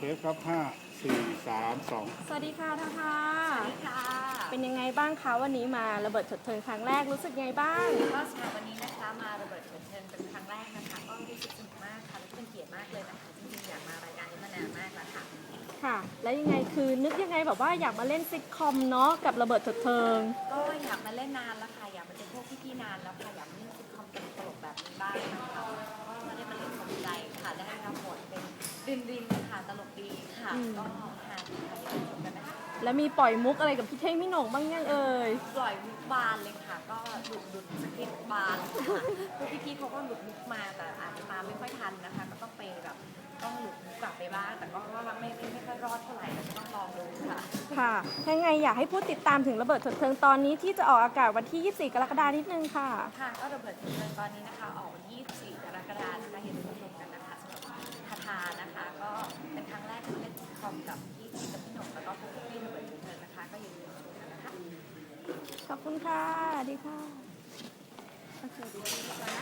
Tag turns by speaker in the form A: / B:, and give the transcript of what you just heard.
A: เทปครับห้าสี่สามสอง
B: สวัสดีค่ะท่าทา
C: สวัสดีค่ะ
B: เป็นยังไงบ้างคะวันนี้มาระเบิดเถิดเทิงครั้งแรกรู้สึกไงบ้าง
C: ก็สำหรับวันนี้นะคะมาระเบิดเถิดเทิงเป็นครั้งแรกนะคะก็รู้สึกสนุกมากค่ะและเป็นเกียรติมากเลยนะคะจริงๆอยากมารายการนี้มานานมากแล้วค่ะ
B: ค่ะ แล้วยังไงคือนึกยังไงแบบว่าอยากมาเล่นซิทคอมเนาะกับระเบิดเถิดเทิง
C: ก็อยากมาเล่นนานแล้วค่ะอยากมาเจอพวกพี่ๆนานแล้วค่ะอยากมาเล่นซิทคอมตลกๆแบบนี้บ้างนะคะก็มาได้มาเล่นสมใจค่ะได้รับบทเป็นรินค่ะตลกดีค่ะก็หาดีค่ะอย่าลืมชมกันนะคะ
B: แล้วมีปล่อยมุกอะไรกับพี่เท่งพี่หน่งบ้างยังเอ่ย
C: ปล่อยมุกบานเลยค่ะก็หลุดสคริปต์บานค่ะพวกพี่ๆเขาก็หลุดมุกมาแต่อาจจะตามไม่ค่อยทันนะคะก็ต้องไปแบบต้องหลุดมุกกลับไปบ้างแต่ก็ว่าไม่ค่อยรอดเท่าไหร่แต่ก็ต้องลองดูค่ะ
B: ค่ะยังไงอยากให้ผู้ติดตามถึงระเบิดเถิดเทิงตอนนี้ที่จะออกอากาศวันที่ 24 กรกฎาคมนิดนึงค่ะ
C: ค่ะก็ระเบิดเถิดเทิงตอนนี้นะคะออกวันที่24 กรกฎาคมนะคะอย่าลืมชมกันนะคะสำหรับทาทานะคะก็เป็นครั้งแรกที่เล่นซิทคอมกับพี่จีกับพี่หนุ่มแล้วก็พวกพี่ๆระเบิดเถิดเทิงนะคะก็อย่าลืมชมกันนะคะ
B: ขอบคุณค่ะสวัสดีค่ะโอเคดี